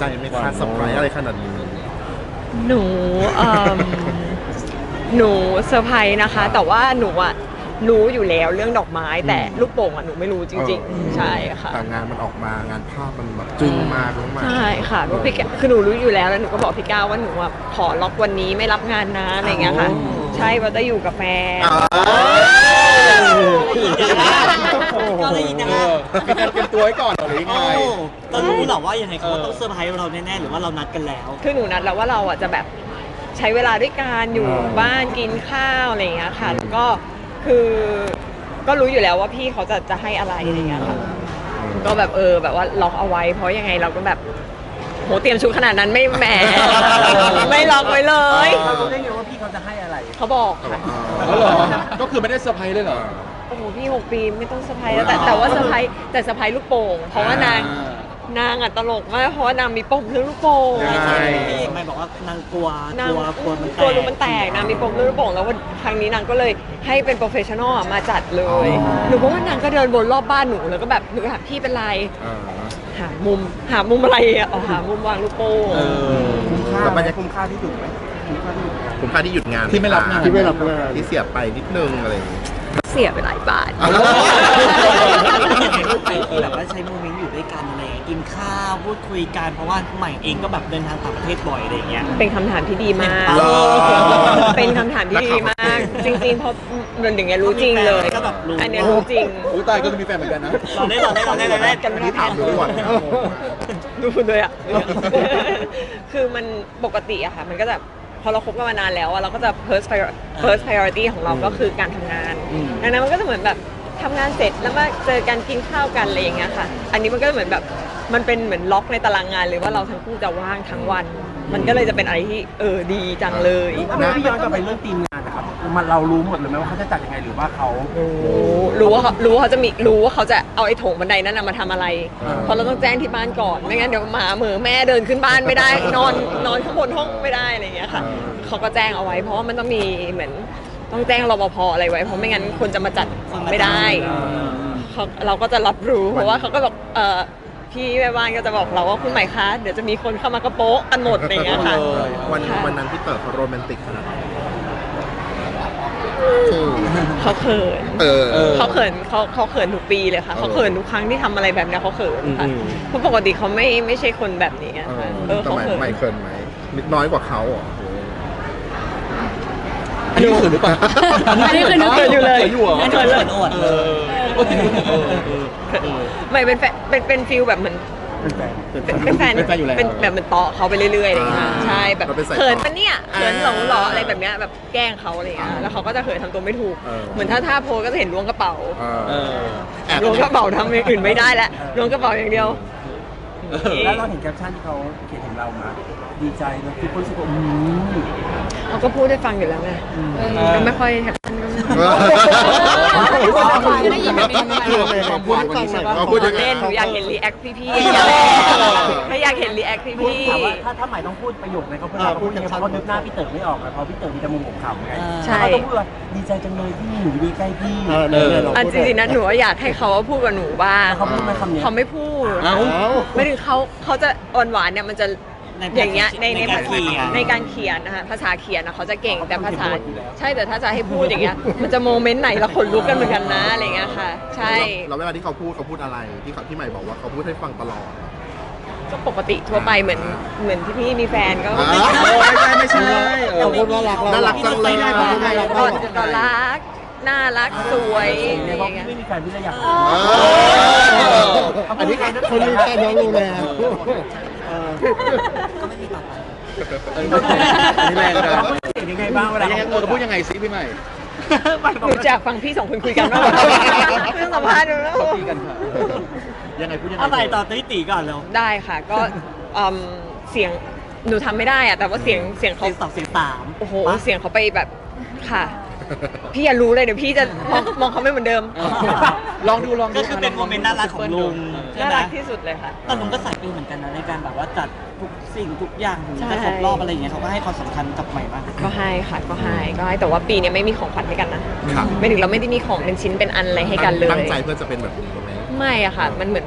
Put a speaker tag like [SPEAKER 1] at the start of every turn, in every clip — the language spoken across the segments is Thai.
[SPEAKER 1] ใจไหมคะเซอร์ไพรส์อะไรขนาดนี้
[SPEAKER 2] หนูหนูเซอร์ไพรส์นะคะ แต่ว่าหนูอะรู้อยู่แล้วเรื่องดอกไม้แต่ลูกโป่งอะหนูไม่รู้จริงๆใช่ค่ะ
[SPEAKER 1] แต่งานมันออกมางานภาพมันแบบจึ้งมากมาก
[SPEAKER 2] ใช่ค่ะเพราะพี่แกคือหนูรู้อยู่แล้วหนูก็บอกพี่ก้าวว่าหนูอะขอล็อกวันนี้ไม่รับงานนะอะไรอย่างเงี้ยค่ะ ใช่ว่าจะอยู่กับแฟน
[SPEAKER 3] ก็เลยนะ
[SPEAKER 4] มีการเตรียมตัวไว้ก่อนหรือยังไง
[SPEAKER 3] เรารู้หรอว่ายังไงเขาต้องเซอร์ไพรส์เราแน่ๆหรือว่าเรานัดกันแล้ว
[SPEAKER 2] คือหนูนัดแล้วว่าเราอ่ะจะแบบใช้เวลาด้วยกันอยู่บ้านกินข้าวอะไรอย่างเงี้ยค่ะแล้วก็คือก็รู้อยู่แล้วว่าพี่เขาจะให้อะไรอะไรอย่างเงี้ยค่ะก็แบบแบบว่าล็อกเอาไว้เพราะยังไงเราก็แบบโหเตรียมชุดขนาดนั้นไม่แหม ไม่ล็อกไว้เลย
[SPEAKER 3] เรารู้ได้ไงว่าพี่เขาจะให้อะไร
[SPEAKER 2] เขาบอกค่ะ
[SPEAKER 4] แล้วเหรอ ก็คือไม่ได้เซอร์ไพรส์เลยเหรอ
[SPEAKER 2] โอ้โหพี่6 ปีไม่ต้องเซอร์ไพรส์แล้วแต่ว่าเซอร์ไพรส์แต่เซอร์ไพรส์ลูกโป่งเพราะว่านางอ่ะตลกมากเพราะว่านางมีปมเรื่องลูกโป่ง
[SPEAKER 3] ใช่พี่เอกไม่บอกว่านางกลัวมันแต
[SPEAKER 2] กลัว
[SPEAKER 3] ก
[SPEAKER 2] รูมันแตกนางมีปมเรื่องลูกโป่งแล้ววันครั้งนี้นางก็เลยให้เป็นโปรเฟชชั่นอลมาจัดเลยหนูก็ว่านางก็เดินวนรอบบ้านหนูแล้วก็แบบหนูถามพี่เป็นไรหามุมอะไรอ่ะหามุมวางลูกโป่ง
[SPEAKER 1] แล้วบรรยากาศคุ้มค่าที่หยุดไหมคุ้มค่าที่หยุดงาน
[SPEAKER 4] ที่ไม่รับงาน
[SPEAKER 1] ที่เสียไปนิดนึงอะไรอย่างเงี้ย
[SPEAKER 2] เสียไปหลายบาท
[SPEAKER 3] แบบว่าใช้โมเมนต์อยู่ด้วยกันอะไรอย่างเงี้ยกินข้าวพูดคุยกันเพราะว่าใหม่เองก็แบบเดินทางต่างประเทศบ่อยอะไรอย่างเงี้ย
[SPEAKER 2] เป็นคำถามที่ดีมาก
[SPEAKER 1] เหรอ
[SPEAKER 2] เป็นคำถามที่ดีมาก จริงๆเพราะเรื่องอย่างเงี้ยรู้จริงเลย
[SPEAKER 3] ก็แบบรู้
[SPEAKER 2] อันเนี้ยรู้จริง
[SPEAKER 4] อุ้ยตายก็มีแฟนเหมือนกันนะ
[SPEAKER 3] เราได้กัน
[SPEAKER 1] อันนี้ถามดูก่อน
[SPEAKER 2] ดูเลยอ่ะ คือมันปกติอะค่ะ มันก็จะพอเราคบกันมานานแล้วอะเราก็จะ first priority ของเราก็คือการทำงาน ดังนั้นมันก็จะเหมือนแบบทำงานเสร็จแล้วมาเจอกันกินข้าวกันอะไรอย่างเงี้ยค่ะ อันนี้มันก็เหมือนแบบมันเป็นเหมือนล็อกในตารางงานเลยว่าเราทั้งคู่จะว่างทั้งวัน มันก็เลยจะเป็นอะไรที่ดีจังเลย
[SPEAKER 5] ถ้าพี่ย้อนกลับไปเรื่องทีมงานนะครับมันเรารู้หมดเลยไหมว่าเขาจะจัดยังไงหรือว่าเขา
[SPEAKER 2] รู้ว่าเขาจะเอาไอ้โถงบันไดนั้นนะมาทำอะไร เพราะเราต้องแจ้งที่บ้านก่อนไม่งั้นเดี๋ยวหมาเหมือแม่เดินขึ้นบ้านไม่ได้ นอนข้างบนห้องไม่ได้อะไรอย่างเงี้ยค่ะเขาก็แจ้งเอาไว้ เพราะว่ามันต้องมีเหมือนต้องแจ้งรปภอะไรไว้เพราะไม่งั้นคนจะมาจัดไม่ได้เราก็จะรับรู้เพราะว่าเขาก็บอกพี่แม่บ้านก็จะบอกเราว่าคุณใหม่คะเดี๋ยวจะมีคนเข้ามากระโป๊ะกันหมดอะไรอย่างเงี้ยค่ะ
[SPEAKER 1] วันนั้นพี่เต๋อเขาโรแมนติกขนาดไหน
[SPEAKER 2] เขาเขิน
[SPEAKER 1] เออ
[SPEAKER 2] เขาเขินทุกปีเลยค่ะเขาเขินทุกครั้งที่ทำอะไรแบบเนี้ยเขาเขินค่ะเพราะปกติเขาไม่ใช่คนแบบนี้อะค่ะ
[SPEAKER 1] แต่
[SPEAKER 2] เขาเขิน
[SPEAKER 1] ไม่เคินไหมนิดน้อยกว่าเขาเหรอ
[SPEAKER 4] อันนี้คือหรือเปล่า
[SPEAKER 2] อันนี้คือนึกเขินอยู่เลย
[SPEAKER 4] อยู่เหรอ
[SPEAKER 3] ไม่เขินอวดเลย
[SPEAKER 2] ไม่เป็นฟิลแบบเหมือนเป็นแฟน
[SPEAKER 4] เป็นแฟนอยู่แล้ว
[SPEAKER 2] เป็นแบบเหมือนเตาะเขาไปเรื่อยๆอะไรอย่างเงี้ยใช่แบบ
[SPEAKER 1] เราเป็นสาย
[SPEAKER 2] เขิน
[SPEAKER 1] ต่อ
[SPEAKER 2] ปะเนี่ยเขินหรออะไรแบบเนี้ยแบบแกล้งเขาอะไรอย่างเงี้ยแล้วเขาก็จะเขินทำตัวไม่ถูก เหมือนถ้าโพสก็จะเห็นล้วงกระเป๋า
[SPEAKER 1] แอบ
[SPEAKER 2] ล้วงกระเป๋าทำอย่างอื่นไม่ได้แล้วล้วงกระเป๋าอย่างเดียว
[SPEAKER 5] แล้วเราเห็นแคปชั่นที่เขาเขียนถึงเรามาดีใจนะทุกคนรู้สึกว่า
[SPEAKER 2] เขาก็พูดได้ฟังอยู่แล้วไงก็ไม่ค่อยแฮปปี้
[SPEAKER 1] ได้ยินแบบนี้ความพูดให้ฟังหน่อยความพูดยังไง
[SPEAKER 2] เล่นหนูอยากเห็นรีแอคพี่ๆถ้าอยากเห็นรีแอคพี่
[SPEAKER 5] ถามว่าถ้าใหม่ต้องพูดประโยคในเขาพูดยังไงเพราะนึกหน้าพี่เต๋อไม่ออกเลยเพราะพี่เต๋อมีแต่มุมของเขาไงเขาต้องพูดว่าดีใจจังเลยที่หนูดีใกล้พี่
[SPEAKER 2] อันจริงๆนะหนูอยากให้เขาพูดกับหนูบ้าง
[SPEAKER 5] เขาพูดไหมคำนี้
[SPEAKER 2] เขาไม่พูดไม่ถึงเขาจะหวานเนี่ยมันจะอย่างเงี้ยในการเขียนนะคะภาษาเขียนนะเขาจะเก่งแต่ภาษาใช่แต่ถ้าจะให้พูดอย่างเงี้ยมันจะโมเมนต์ไหนละคนลุกกันเหมือนกันนะอะไรเงี้ยค่ะใช่
[SPEAKER 1] แล้วเวลาที่เขาพูดอะไรที่ใหม่บอกว่าเขาพูดให้ฟังตลอด
[SPEAKER 2] ก็ปกติทั่วไปเหมือนที่พี่มีแฟนก็
[SPEAKER 4] ไม่ใช่
[SPEAKER 1] เขาพูดว่าน่ารักจังเลย
[SPEAKER 2] ก็รักน่ารักสวย
[SPEAKER 5] ในเพราะพี่ไม่มีแฟนพี่เลยอยาก
[SPEAKER 1] อันนี้คนมีแฟนน้องรู้แล้ว
[SPEAKER 3] ก็ไม่มีต่อไป
[SPEAKER 4] อันนี้แรงนะ
[SPEAKER 5] เห็นยังไงบ้างเวลา
[SPEAKER 4] เขาพูดยังไงซิพี่ใหม่
[SPEAKER 2] หนูจะฟังพี่สองคนคุยกันว่าเรื่องสัมภาษณ์ดูแล้ว
[SPEAKER 4] ตีกันค่ะยังไงพูดยังไง
[SPEAKER 3] เอาใหม่ต่อตีก่อนเร็ว
[SPEAKER 2] ได้ค่ะก็เสียงหนูทำไม่ได้อะแต่ว่าเสียงเขา
[SPEAKER 3] เสียง2เสียง3
[SPEAKER 2] โอ้โหเสียงเขาไปแบบค่ะพี่อย่ารู้เลยเดี๋ยวพี่จะมองเขาไม่เหมือนเดิม
[SPEAKER 4] ลองดู
[SPEAKER 3] ก็คือเป็นโมเมนต์น่ารักของลุงใช่
[SPEAKER 2] น่า
[SPEAKER 3] ไหม
[SPEAKER 2] รักที่สุดเลยค่ะ
[SPEAKER 3] แต่ลุงก็สายฟิลเหมือนกันนะในการแบบว่าจัดทุกสิ่งทุกอย่างถึงจะครบรอบอะไรอย่างเงี้ยเขาก็ให้ความสำคัญกับใหม่มาก
[SPEAKER 2] ก็ให้ค่ะก็ให้แต่ว่าปีนี้ไม่มีของขวัญให้กันนะไม่ถึงเราไม่ได้มีของเป็นชิ้นเป็นอันอะไรให้กันเลย
[SPEAKER 1] ตั้งใจเพื่อจะเป็นแบบนี้ไหม
[SPEAKER 2] ไม่อะค่ะมันเหมือนแบบ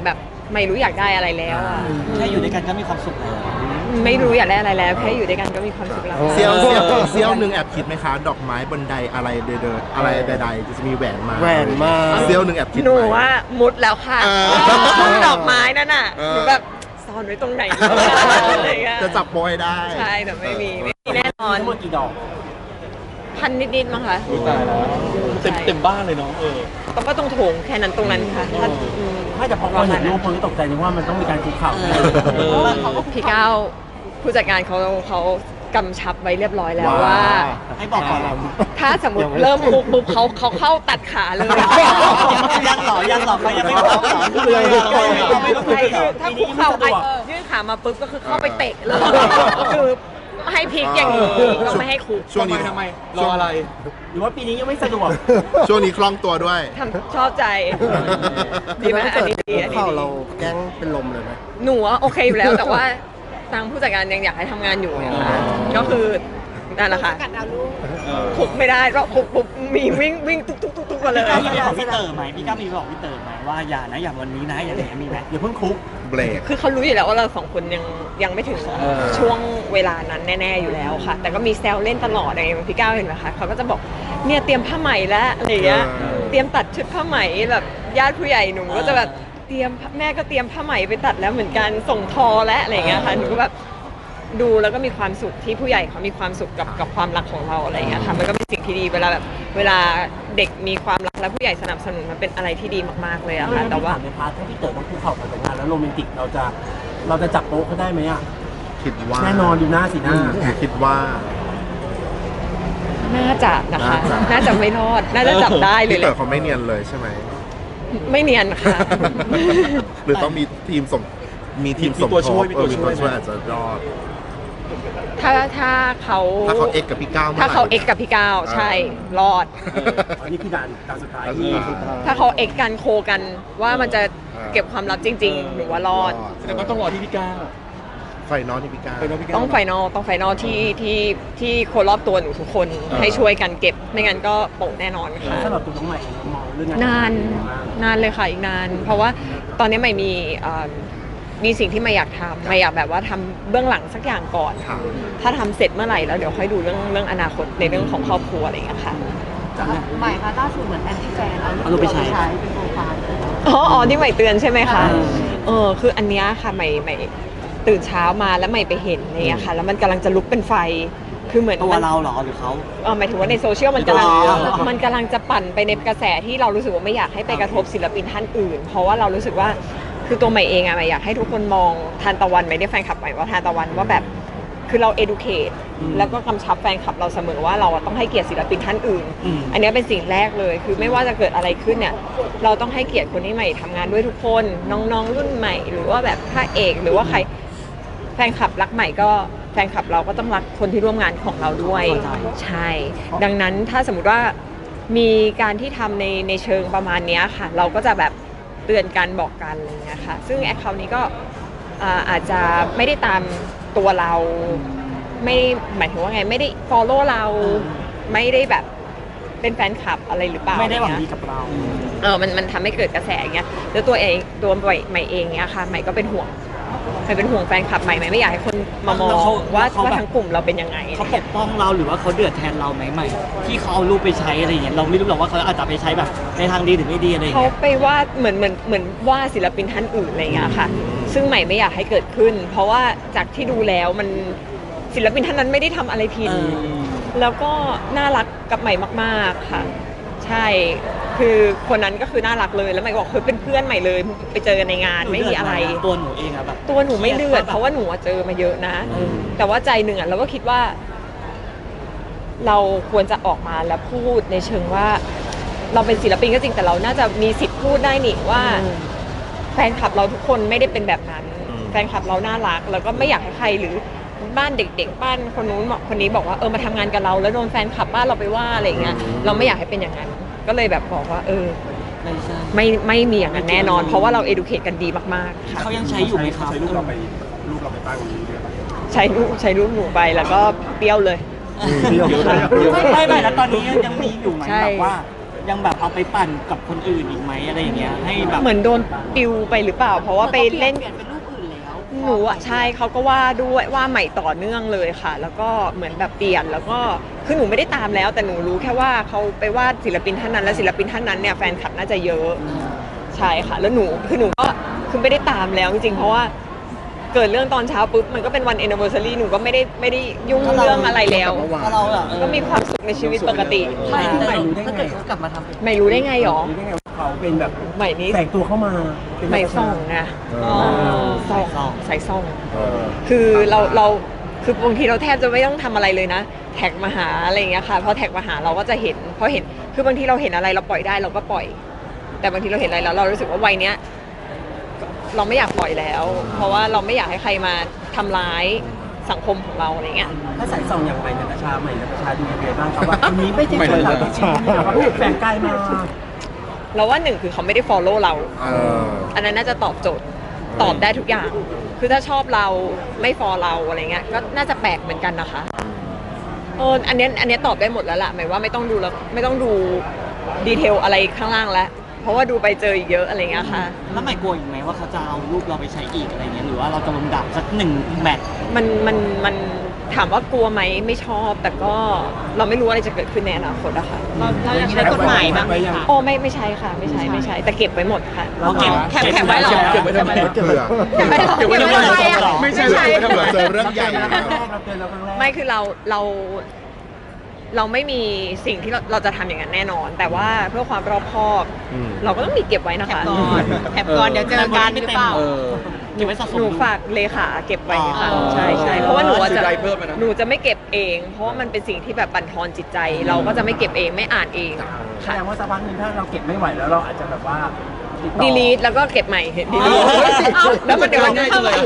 [SPEAKER 2] ไม่รู้อยากได้อะไรแล้วอะ
[SPEAKER 3] แค่อยู่ด้วยกันก็มีความสุขแล้ว
[SPEAKER 2] ไม่รู้อยากได้อะไรแล้วแค่อยู่ด้วยกันก็มีความสุขแล้ว
[SPEAKER 1] เซี่ยวหนึ่งแอบคิดไหมคะ ดอกไม้บนไดอะไรเดินอะไรใดๆจะมีแหวนมาเซี่ยวหนึ่งแอบคิด
[SPEAKER 2] หนู
[SPEAKER 1] ไหม
[SPEAKER 2] ว่ามุดแล้วค่ะ ช่องดอกไม้นั่นน่ะ
[SPEAKER 1] เออ
[SPEAKER 2] หนูแบบซ่อนไว้ตรงไหนอะไรเงี้ย
[SPEAKER 1] จะจับโปรให้ได้
[SPEAKER 2] ใช่แต่ไม่มีแน่นอน
[SPEAKER 5] ทั้งหมดกี่ดอก
[SPEAKER 2] พันนิดๆมั้งคะ
[SPEAKER 4] ตายแล้วเต็มบ้านเลยเนาะ
[SPEAKER 2] ต้องก็ต้องโถงแค่นั้นตรงนั้นค่ะถ้าอืม
[SPEAKER 5] ไม่แต่พอเราเห็นรูปคนก็ตกใจนึกว่ามันต้องมีการคุกเข่า
[SPEAKER 2] พี่ก้าวผู้จัดการเขากำชับไว้เรียบร้อยแล้วว่า
[SPEAKER 3] ให้บอกก่อนเรา
[SPEAKER 2] ถ้าสมมติเริ่มคุกปุ๊บเขาเข้าตัดขาเลย
[SPEAKER 3] ยังหรอเขายังไม่บอกหรอเราไม่รู้
[SPEAKER 2] ใช่คือถ้าคุกเข่ายื่นขามาปุ๊บก็คือเข้าไปเตะเลยคือให้พลิกอย่างนี้ก็ไม่ให้คุก
[SPEAKER 1] ช่วงนี้
[SPEAKER 4] ทำไมรออะไร
[SPEAKER 5] หรือว่าปีนี้ยังไม่สะดวก
[SPEAKER 1] ช่วงนี้คล่องตัวด้วย
[SPEAKER 2] ชอบใจดีไหมอันนี้ดีอันนี้ดี
[SPEAKER 1] แกล้งเป็นลมเลยไหม
[SPEAKER 2] หนูว่าโอเคอยู่แล้วแต่ว่าทางผู้จัดการยังอยากให้ทำงานอยู่ไงคะก็คือนั่นแหละค่ะคุกไม่ได้ก็คุกปุ๊บมีวิ่งตุ๊กมาเลย
[SPEAKER 3] พี่ก้าวมีบอกพี่เต๋อไหมพี่ก้าวมีบอกพี่เต๋อไหมว่าอย่านะอย่าวันนี้นะอย่างนี้มีไหม
[SPEAKER 5] อย่าเพิ่งคุก
[SPEAKER 1] เบรก
[SPEAKER 2] คือเขารู้อยู่แล้วว่าเราสองคนยังไม่ถึงช่วงเวลานั้นแน่ๆอยู่แล้วค่ะ แต่ก็มีแซวเล่นตลอดอะไรอย่างเงี้ยพี่ก้าวเห็นไหมคะเขาก็จะบอกเนี่ยเตรียมผ้าไหมแล้วอะไรอย่างเงี้ยเตรียมตัดชุดผ้าไหมแบบญาติผู้ใหญ่หนูก็จะแบบเตรียมแม่ก็เตรียมผ้าไหมไปตัดแล้วเหมือนกันส่งทอและอะไรอย่างเงี้ยค่ะหนูก็แบบดูแล้วก็มีความสุขที่ผู้ใหญ่เขามีความสุขกับความรักของเราอะไรอย่างเงี้ยค่ะมันก็เป็นสิ่งที่ดีเวลาเด็กมีความรักและผู้ใหญ่สนับสนุนมันเป็นอะไรที่ดีมากๆเลยอะค่ะแต่ว่า
[SPEAKER 5] ในพาร์ทถ้าพี่เต๋อต้องคุกเข่าก่อนแต่งงานแล้วโรแมนติกเราจะจับโป๊ะเขาได้ไหมอ่ะ
[SPEAKER 1] คิดว่า
[SPEAKER 5] แน่นอนดูหน้าสีหน้า
[SPEAKER 1] คิดว่า
[SPEAKER 2] น่าจะนะคะ น่าจะไม่รอด น่าจะจับได้เลย
[SPEAKER 1] พี่
[SPEAKER 2] แห
[SPEAKER 1] เต๋อ
[SPEAKER 2] ละ
[SPEAKER 1] เขาไม่เนียนเลยใช่ไหม
[SPEAKER 2] ไม่เนียนค่ะ
[SPEAKER 1] หรือต้องมีทีมสมมีตัวช่วยมีตัวช่วยอาจจะรอด
[SPEAKER 2] ถ้าเขา
[SPEAKER 1] ถ้าเขาเอ็กกับพี่ก้าว
[SPEAKER 2] ถ้าเขาเอ็กกับพี่ก้าวใช่รอด
[SPEAKER 5] อันนี้คือด่านสุดท้าย
[SPEAKER 2] ถ้าเขาเอ็กกันโคกันว่ามันจะเก็บความลับจริงๆหนูว่ารอด
[SPEAKER 4] แสดงว่าต้องรอที่พี่ก้าว
[SPEAKER 1] ไฟนอลที่พี่ก้าว
[SPEAKER 2] ต้องไฟนอลที่คนรอบตัวหนูทุกคนให้ช่วยกันเก็บไม่งั้นก็โปะแน่นอนค่ะ
[SPEAKER 5] สำหรับตัวน้องใหม่มองเรื่อง
[SPEAKER 2] นานเลยค่ะอีกนาน เพราะว่าตอนนี้ใหม่มีสิ่งที่ไม่อยากทำไม่อยากแบบว่าทำเบื้องหลังสักอย่างก่อน ถ้าทำเสร็จเมื่อไหร่แล้วเดี๋ยวค่อยดูเรื่องอนาคตในเรื่องของครอบครัวอะไรอย่างเงี้ยค่ะ
[SPEAKER 6] ใหม่ค่ะล่าสุดเหมือนแอนตี้แฟน
[SPEAKER 3] เอารูปไปใช้
[SPEAKER 6] เป็นโปรไฟล์
[SPEAKER 2] อ๋อที่ใหม่เตือนใช่ไหมคะคืออันเนี้ยค่ะใหม่ตื่นเช้ามาแล้วใหม่ไปเห็นอะไรเงี้ยค่ะแล้วมันกำลังจะลุกเป็นไฟคือเหมือน
[SPEAKER 3] ตัว
[SPEAKER 2] มัน
[SPEAKER 3] เราเหรอหรือเขา
[SPEAKER 2] หมายถึงว่าในโซเชียลมันกำลัง
[SPEAKER 3] อ๋อ
[SPEAKER 2] มันกำลังจะปั่นไปในกระแสที่เรารู้สึกว่าไม่อยากให้ไปกระทบศิลปินท่านอื่น เพราะว่าเรารู้สึกว่าคือตัวใหม่เองอะใหม่อยากให้ทุกคนมองทานตะวันไม่ได้แฟนคลับใหม่ว่าทานตะวันว่าแบบคือเรา educate แล้วก็กำชับแฟนคลับเราเสมอว่าเราอะต้องให้เกียรติศิลปินท่านอื่น อันเนี้ยเป็นสิ่งแรกเลยคือไม่ว่าจะเกิดอะไรขึ้นเนี่ยเราต้องให้เกียรติคนที่ใหม่ทำงานด้วยทุกคนน้องๆรุ่นใหม่ หรือว่าแบบพระเอกหรือว่าใครแฟนคลับรักใหม่ก็แฟนคลับเราก็ต้องรักคนที่ร่วมงานของเราด้วยใช่ ดังนั้นถ้าสมมติว่ามีการที่ทำในเชิงประมาณเนี้ยค่ะ เราก็จะแบบเตือนกันบอกกันอะไรเงี้ยค่ะซึ่งแอคเคาท์นี้ก็อาจจะไม่ได้ตามตัวเราไม่หมายถึงว่าไงไม่ได้ follow เราไม่ได้แบบเป็นแฟนคลับอะไรหรือเปล่า
[SPEAKER 3] ไม่ได้หวัง
[SPEAKER 2] อะร
[SPEAKER 3] ดี
[SPEAKER 2] เงี้ย
[SPEAKER 3] กับเรา
[SPEAKER 2] มันทำให้เกิดกระแสอย่างเงี้ยแล้วตัวใหม่เองเนี้ยค่ะใหม่ก็เป็นห่วงแฟนคลับใหม่ไม่อยากให้คนมามองว่าทั้งกลุ่มเราเป็นยังไง
[SPEAKER 3] เขาปกป้องเราหรือว่าเขาเดือดแทนเราไหมใหม่ที่เขาเอารูปไปใช้อะไรอย่างเงี้ยเราไม่รู้หรอกว่าเขาอาจจะไปใช้แบบในทางดีหรือไม่ดีอะไรอย่าง
[SPEAKER 2] เขา
[SPEAKER 3] เงี้ย
[SPEAKER 2] ไปว่าเหมือนว่าศิลปินท่านอื่นอะไรเงี้ยค่ะ ซึ่งใหม่ไม่อยากให้เกิดขึ้น เพราะว่าจากที่ดูแล้วมันศิลปินท่านนั้นไม่ได้ทำอะไรผิดแล้วก็น่ารักกับใหม่มากๆค่ะ ใช่คือคนนั้นก็คือน่ารักเลยแล้วใหม่บอกคือเป็นเพื่อนใหม่เลยไปเจอกันในงานไม่มีอะไร
[SPEAKER 3] ตัวหนูเองอะแบบ
[SPEAKER 2] ตัวหนูไม่เลือดเพราะว่าหนูเจอมาเยอะนะ แต่ว่าใจหนึ่งเราก็คิดว่า เราควรจะออกมาแล้วพูดในเชิงว่า เราเป็นศิลปินก็จริงแต่เราน่าจะมีสิทธิ์พูดได้นี่ว่า แฟนคลับเราทุกคนไม่ได้เป็นแบบนั้น แฟนคลับเราน่ารักแล้วก็ไม่อยากให้ใครหรือบ้านเด็กๆบ้านคนนู้นคนนี้บอกว่ามาทำงานกับเราแล้วโดนแฟนคลับบ้านเราไปว่าอะไรอย่างเงี้ยเราไม่อยากให้เป็นอย่างนั้นก็เลยแบบบอกว่า
[SPEAKER 3] ไม่ใช่
[SPEAKER 2] ไม่มีอย่างนั้นแน่นอน เพราะว่าเรา educate กันดีมากๆค่ะ
[SPEAKER 3] เขายังใช้อยู่ไหมครับ
[SPEAKER 5] ใช้รูปเราไปตั้ง
[SPEAKER 2] ใช้รูปหนูไปแล้วก็เปรี้ยวเลย
[SPEAKER 3] ไม่แล้วตอนนี้ยังมีอยู่ไหม
[SPEAKER 2] ใช่
[SPEAKER 3] แบบว่ายังแบบเอาไปปั่นกับคนอื่นอีกไหมอะไรอย่างเงี้ยให้แบบ
[SPEAKER 2] เหมือนโดนปิวไปหรือเปล่า เพราะว่าไปเล่น
[SPEAKER 6] เปลี่ยนเป็นรูปอื่นแล้ว
[SPEAKER 2] หนูใช่เขาก็ว่าด้วยว่าใหม่ต่อเนื่องเลยค่ะ แล้วก็เหมือนแบบเปลี่ยนแล้วก็คือหนูไม่ได้ตามแล้ว แต่หนูรู้แค่ว่าเขาไปวาดศิลปินท่านนั้นและศิลปินท่านนั้นเนี่ยแฟนคลับน่าจะเยอะใช่ค่ะ แล้วหนูก็คือไม่ได้ตามแล้วจริงๆเพราะว่าเกิดเรื่องตอนเช้าปุ๊บมันก็เป็นวัน anniversary หนูก็ไม่ได้ยุ่งเรื่องอะไรแล้ว
[SPEAKER 3] ถ้าเราแบบ
[SPEAKER 2] ก็มีความสุขในชีวิตปกติ
[SPEAKER 3] ใช่
[SPEAKER 5] ใหม่รู้ได้
[SPEAKER 3] ถ้า
[SPEAKER 5] ไง
[SPEAKER 3] เกิดเขากลับมาทำ
[SPEAKER 2] ไม่รู้ได้ไงหรอ
[SPEAKER 5] รู้ได้ไงว่าเขาเป็นแบบ
[SPEAKER 2] ใหม่นี้
[SPEAKER 5] แฝงตัวเข้ามาเป็น
[SPEAKER 2] ใหม่ส่องไง
[SPEAKER 1] อ๋อ
[SPEAKER 2] ส่องใส่ส่อง
[SPEAKER 1] เออ
[SPEAKER 2] คือเราคือบางทีเราแทบจะไม่ต้องทำอะไรเลยนะแท็กมาหาอะไรอย่างเงี้ยค่ะพอแท็กมาหาเราก็จะเห็นพอเห็นคือบางทีเราเห็นอะไรเราปล่อยได้เราก็ปล่อย แต่บางทีเราเห็นอะไรแล้วเรารู้สึกว่าวัยเนี้ยเราไม่อยากปล่อยแล้ว เพราะว่าเราไม่อยากให้ใครมาทำร้ายสังคมของเราอะไรเงี้ย
[SPEAKER 5] ถ้าสายส่องอย่างใหม่นาตาชาดูยังไงบ้างครับว่าคนนี้ไม่ใช่คนเราจริงๆเขาแฝงกายมา
[SPEAKER 2] เราว่าหนึ่งคือเขาไม่ได้ follow เรา
[SPEAKER 1] เออ
[SPEAKER 2] อันนั้นน่าจะตอบโจทย์ตอบได้ทุกอย่าง คือถ้าชอบเราไม่ฟอลเราอะไรเงี้ยก็น่าจะแปลกเหมือนกันนะคะอันเนี้ยตอบได้หมดแล้วล่ะหมายว่าไม่ต้องดูแล้วไม่ต้องดูดีเทลอะไรข้างล่างแล้วเพราะว่าดูไปเจออีกเยอะอะไรเงี้ยค่ะ
[SPEAKER 3] แล้วใหม่กลัวอีกไหมว่าเขาจะเอารูปเราไปใช้อีกอะไรเงี้ยหรือว่าเราจะลงดับสัก1 แมตช์
[SPEAKER 2] มันถามว่ากลัวไหมไม่ชอบ แต่ก็เราไม่รู้อะไรจะเกิดขึ้นในอนาคตอะค่ะ
[SPEAKER 6] เราอยากใช้กฎหมายบ้างไหมคะ
[SPEAKER 2] โอ้ไม่ใช่ค่ะไม่ใช่แต่เก็บไว้หมดค่ะ
[SPEAKER 3] เราเก็บ
[SPEAKER 2] แคปไว้เหรอ
[SPEAKER 4] เก็บไว้ทำไม
[SPEAKER 1] เกลือ
[SPEAKER 2] เก็บไว้ทำไม
[SPEAKER 4] เก็บไว้ทำไม
[SPEAKER 1] ไม่ใช่เลยเผื่อเจอเรื่องใหญ่
[SPEAKER 5] เราครั้งแรกเราเตือนเราครั้งแรก
[SPEAKER 2] ไม่คือเราไม่มีสิ่งที่เราจะทำอย่างนั้นแน่นอน แต่ว่าเพื่อความรอบคอบ
[SPEAKER 1] อืม
[SPEAKER 2] เราก็ต้องมีเก็บไว้นะคะ
[SPEAKER 6] แถบก่อนเดี๋ยวเจอกันหรือเปล่า
[SPEAKER 4] เออ
[SPEAKER 3] เก็บไว้สะสม
[SPEAKER 2] หนูฝากเลขาเก็บไว้ค่ะ
[SPEAKER 3] อ๋อ
[SPEAKER 2] ใช่เพราะว่าหนูอะจะ
[SPEAKER 4] ซื้อได้เพิ่มไหมนะ
[SPEAKER 2] หนูจะไม่เก็บเอง เพราะว่ามันเป็นสิ่งที่แบบบั่นทอนจิตใจ เราก็จะไม่เก็บเองไม่อ่านเอง
[SPEAKER 5] แส
[SPEAKER 2] ค่ะ
[SPEAKER 5] ดงว่าสักพักหนึงถ้าเราเก็บไม่ไหวแล้วเราอาจจะแบบว่าติดต่อ
[SPEAKER 2] ดีลีทแล้วก็เก็บใหม่ดีลีท
[SPEAKER 6] เอา
[SPEAKER 2] แล้วมันเดี๋ยวมัน
[SPEAKER 4] ง่ายจังเลย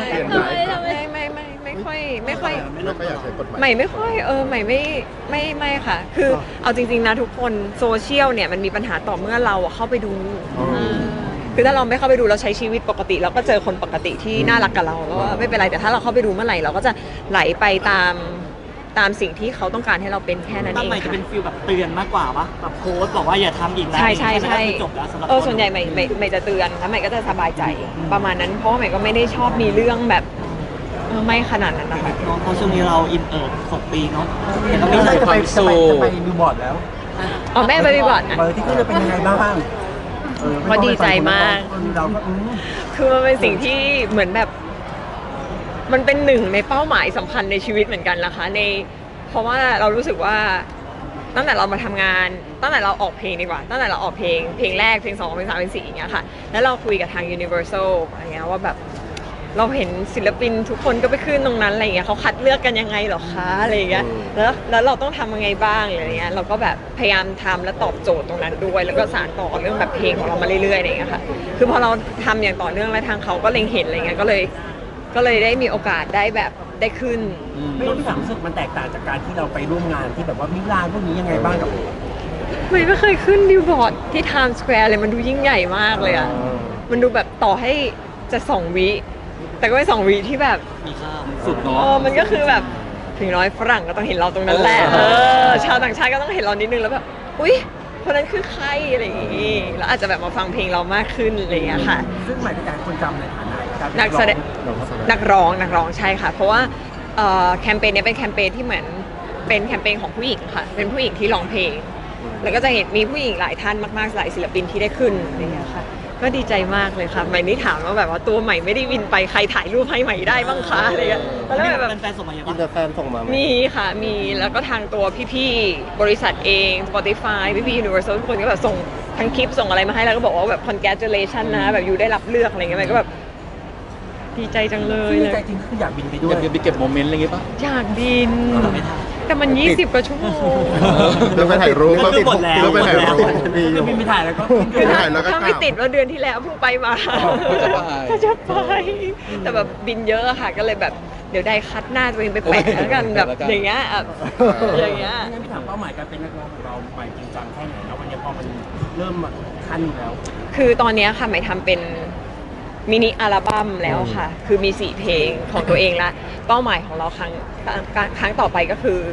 [SPEAKER 2] ไม่ค่อย
[SPEAKER 1] ไม่ค่อยอยากใช้กฎหมาย
[SPEAKER 2] ใหม่ไม่ค่อยใหม่ไม่ค่ะ คือเอาจริงๆนะทุกคนโซเชียลเนี่ยมันมีปัญหาต่อเมื่อเราอะเข้าไปดู คือถ้าเราไม่เข้าไปดูเราใช้ชีวิตปกติเราก็เจอคนปกติที่น่ารักกับเราแล้วไม่เป็นไรแต่ถ้าเราเข้าไปดูเมื่อไหร่เราก็จะไหลไปตามสิ่งที่เขาต้องการให้เราเป็นแค่นั้น
[SPEAKER 3] ตั้
[SPEAKER 2] เอง
[SPEAKER 3] ใหม่จะ
[SPEAKER 2] ค่ะ
[SPEAKER 3] เป็นฟิลแบบเตือนมากกว่าปะแบบโพสต์บอกว่าอย่าทำอีกแล้ว
[SPEAKER 2] ใช่
[SPEAKER 3] แค่นั้นก็คือจบแล้วสำหรับ
[SPEAKER 2] ส่วนใหญ่ไม่จะเตือนแล้วใหม่ก็จะสบายใจประมาณนั้นเพราะว่าใหม่ก็ไม่ได้ชอบมีเรื่องแบบไม่ขนาดนั้นนะคะ
[SPEAKER 3] น้องเพราะช่วงนี้เราอิน6 ปีเนาะแต่ก็
[SPEAKER 5] ไม่
[SPEAKER 3] ไม่
[SPEAKER 5] ใช่
[SPEAKER 3] ใช่
[SPEAKER 5] จะไปบิลบอร์ดแล้ว
[SPEAKER 2] อ๋อแม่ไปก่อนนะ
[SPEAKER 5] เบอร์ที่ขึ้นจะเป็นยังไงบ้าง
[SPEAKER 2] ก็ดีใจมาก
[SPEAKER 5] เราก็
[SPEAKER 2] คือมันเป็นสิ่งที่เหมือนแบบ มันเป็นหนึ่งในเป้าหมายสำคัญในชีวิตเหมือนกันนะคะเพราะว่าเรารู้สึกว่าตั้งแต่เรามาทำงานตั้งแต่เราออกเพลงดีกว่าตั้งแต่เราออกเพลงแรกเพลง2เพลง3เพลง4อย่างเงี้ยค่ะแล้วเราคุยกับทาง Universal อะไรเงี้ยว่าแบบเราเห็นศิลปินทุกคนก็ไปขึ้นตรงนั้นอะไรเงี้ยเขาคัดเลือกกันยังไงหรอคะอะไรเงี้ยแล้วเราต้องทำยังไงบ้างอะไรเงี้ยเราก็แบบพยายามทำและตอบโจทย์ตรงนั้นด้วย แล้วก็สานต่อเรื่องแบบเพลงของเรามาเรื่อยๆอะไรเงี้ยค่ะคือพอเราทำอย่างต่อเนื่องแล้วทางเขาก็เล็งเห็นอะไรเงี้ยก็เลยได้มีโอกาสได้แบบได้ขึ้น
[SPEAKER 5] ไม่รู้ที่ความรู้สึกมันแตกต่างจากการที่เราไปร่วมงานที่แบบว่ามิลานพวกนี้ยังไงบ้างกับ
[SPEAKER 2] ไม่เคยขึ้นบิลบอร์ดที่ Times Square เลยมันดูยิ่งใหญ่มากเลยอ่ะมันดูแบบต่อให้จะ2 วิแต่ก็เป็น2 วิที่แบบ
[SPEAKER 3] มีข้าว
[SPEAKER 4] สุดเนาะ
[SPEAKER 2] มันก็คือแบบถึงน้อยฝรั่งก็ต้องเห็นเราตรงนั้นแหละชาวต่างชาติก็ต้องเห็นเรานิดนึงแล้วแบบอุ๊ยคนนั้นคือใครอะไรอย่างงี้แล้วอาจจะแบบมาฟังเพลงเรามากขึ้นอะไรอย่างเงี้ยค่ะ
[SPEAKER 5] ซึ่งหมายถึงการคนจำในฐานะการ
[SPEAKER 2] นักแสดงนักร้องใช่ค่ะ เพราะว่าแคมเปญนี้เป็นแคมเปญที่เหมือนเป็นแคมเปญของผู้หญิงค่ะเป็นผู้หญิงที่ร้องเพลง แล้วก็จะเห็นมีผู้หญิงหลายท่านมากๆหลายศิลปินที่ได้ขึ้นอะไรอย่างเงี้ยค่ะก็ดีใจมากเลยค่ะใหม่นี่ถามว่าแบบว่าตัวใหม่ไม่ได้วินไปใครถ่ายรูปให้ใหม่ได้บ้างคะอะไรเงี้ยแล้วแบบ
[SPEAKER 3] เป็นแฟนส่งมาเยอะ
[SPEAKER 1] อิน
[SPEAKER 3] ปะ
[SPEAKER 1] เตอร์แฟนส่งมาไหม
[SPEAKER 2] มีค่ะมีแล้วก็ทางตัวพี่ๆบริษัทเอง Spotify พี่ๆ Universal ทุกคนก็แบบส่งทั้งคลิปส่งอะไรมาให้แล้วก็บอกว่าแบบ congratulation นะแบบอยู่ได้รับเลือกอะไรเงี้ยใหม่ก็แบบดีใจจังเลย
[SPEAKER 5] ซึ่งใจจริงก็คืออยากบินไปด้
[SPEAKER 4] อ
[SPEAKER 5] วย
[SPEAKER 4] ยากไปเก็บโมเมนต์อะไรอย่างงี้ป่ะ
[SPEAKER 2] อยากบิน แต่มัน 20 กว่าชั่วโมง
[SPEAKER 1] เรื่องไปถ่ายรูป
[SPEAKER 3] ก็คือหมดแล้ว
[SPEAKER 1] เรื่องไปถ่ายรูป
[SPEAKER 5] คือบินไปถ่ายแล้วก็
[SPEAKER 2] คือถ้า
[SPEAKER 1] ถ่ายแล้วก็
[SPEAKER 2] ถ้าไม่
[SPEAKER 1] กลับ
[SPEAKER 2] ติดว่าเดือนที่แล้วเพิ่งไปมา
[SPEAKER 4] ก็จะไป
[SPEAKER 2] แต่แบบบินเยอะอะค่ะ ก็เลยแบบเดี๋ยวได้คัดหน้าตัวเองไปแปะแล้วกันแบบอย่างเงี้ยอะอย่างเงี้ย
[SPEAKER 5] งั้นพี่ถามเป้าหมายการเป็นนักร้องของเราไปจริงจังแค่ไหนแล้ววันนี้พอมันเริ่มมาขั้นแล้ว
[SPEAKER 2] คือตอนเนี้ยค่ะหมายทำเป็นมินิอัลบั้มแล้วค่ะ คือมี4 เพลงของตัวเองละเป้าหมายของเราครั้งต่อไปก็คือ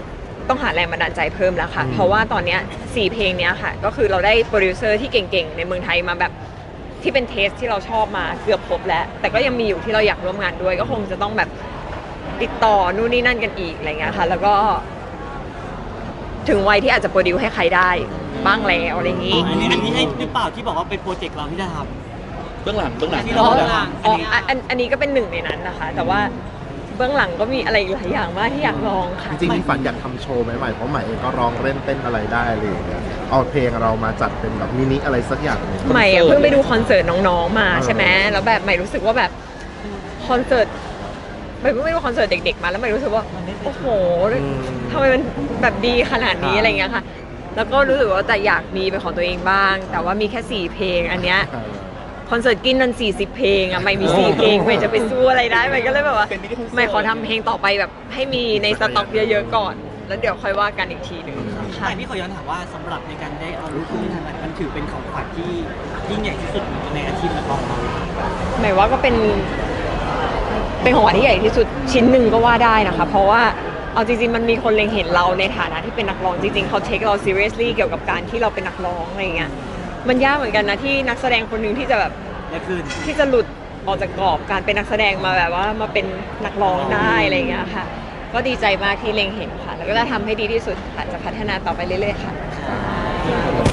[SPEAKER 2] ต้องหาแรงบันดาลใจเพิ่มแล้วค่ะ เพราะว่าตอนเนี้ย4 เพลงเนี้ยค่ะ ก็คือเราได้โปรดิวเซอร์ที่เก่งๆในเมืองไทยมาแบบที่เป็นเทสที่เราชอบมาเกือบครบแล้ว แต่ก็ยังมีอยู่ที่เราอยากร่วมงานด้วย ก็คงจะต้องแบบติดต่อนู่นนี่นั่นกันอีกอะไรเงี้ยค่ะ แล้วก็ถึงวัยที่อาจจะโปรดิวให้ใครได้บ้างแล้วอะไรอย่างนี้
[SPEAKER 3] อันนี้ให้หรือเปล่าที่บอกว่าเป็นโปรเจกต์เราที่จะทำ
[SPEAKER 4] เบื้องหลัง
[SPEAKER 3] ที่
[SPEAKER 6] เบื้
[SPEAKER 3] เรา
[SPEAKER 6] อง
[SPEAKER 3] แบบ
[SPEAKER 6] หลัง
[SPEAKER 2] อ๋ออันนี้ก็เป็นหนึ่งในนั้นนะคะ แต่ว่าเบื้องหลังก็มีอะไรอีกหลายอย่างมากที่อยากลองค่ะ
[SPEAKER 1] จริงๆมีฝันอยากทำโชว์ไหมใหม่เพราะใหม่เองก็ร้องเล่นเต้นอะไรได้เลยเอาเพลงเรามาจัดเป็นแบบมินิอะไรสักอย่างหนึง
[SPEAKER 2] ใหม่อะเพิ่งไปดูคอนเสิร์ตน้องๆมาใช่ไหมแล้วแบบใหม่รู้สึกว่าแบบคอนเสิร์ตใหม่เพิ่งไปดูคอนเสิร์ตเด็กๆมาแล้วใหม่รู้สึกว่าโอ้โหทำไมมันแบบดีขนาดนี้อะไรเงี้ยค่ะ แล้วก็รู้สึกว่าแต่อยากมีเป็นของตัวเองบ้าง แต่ว่ามีแค่4 เพลงอันเนี้ยคอนเสิร์ตกินนัน40 เพลงอะใหม่มี4 เพลงใหม่จะไปสู้อะไรได้ใหม่ก็เลยแบบว่าใหม่ขอทำเพลงต่อไปแบบให้มีในสต็อกเยอะๆก่อน แล้วเดี๋ยวค่อยว่ากันอีกทีหนึงค่ะ
[SPEAKER 3] แต่พี่ขอย้อนถามว่าสำหรับในการได้เอาลูกขึ้นทางมันถือเป็นของขวัญที่ยิ่งใหญ่ที่สุดในอาชีพนักร้องเรา
[SPEAKER 2] หมายว่าก็เป็นของขวัญที่ใหญ่ที่สุดชิ้นหนึ่งก็ว่าได้นะคะ เพราะว่าเอาจริงๆมันมีคนเล็งเห็นเราในฐานะที่เป็นนักร้องจริงๆเขา take เรา seriously เกี่ยวกับการที่เราเป็นนักร้องอะไรเงี้ยมันยากเหมือนกันนะที่นักแสดงคนหนึ่งที่จะแบบ
[SPEAKER 3] และคืน
[SPEAKER 2] ที่จะหลุดออกจากกรอบการเป็นนักแสดงมาแบบว่ามาเป็นนักร้องได้อะไรเงี้ยค่ะ ก็ดีใจมากที่เล็งเห็นค่ะ แล้วก็จะทำให้ดีที่สุดค่ะจะพัฒนาต่อไปเรื่อยๆค่ะ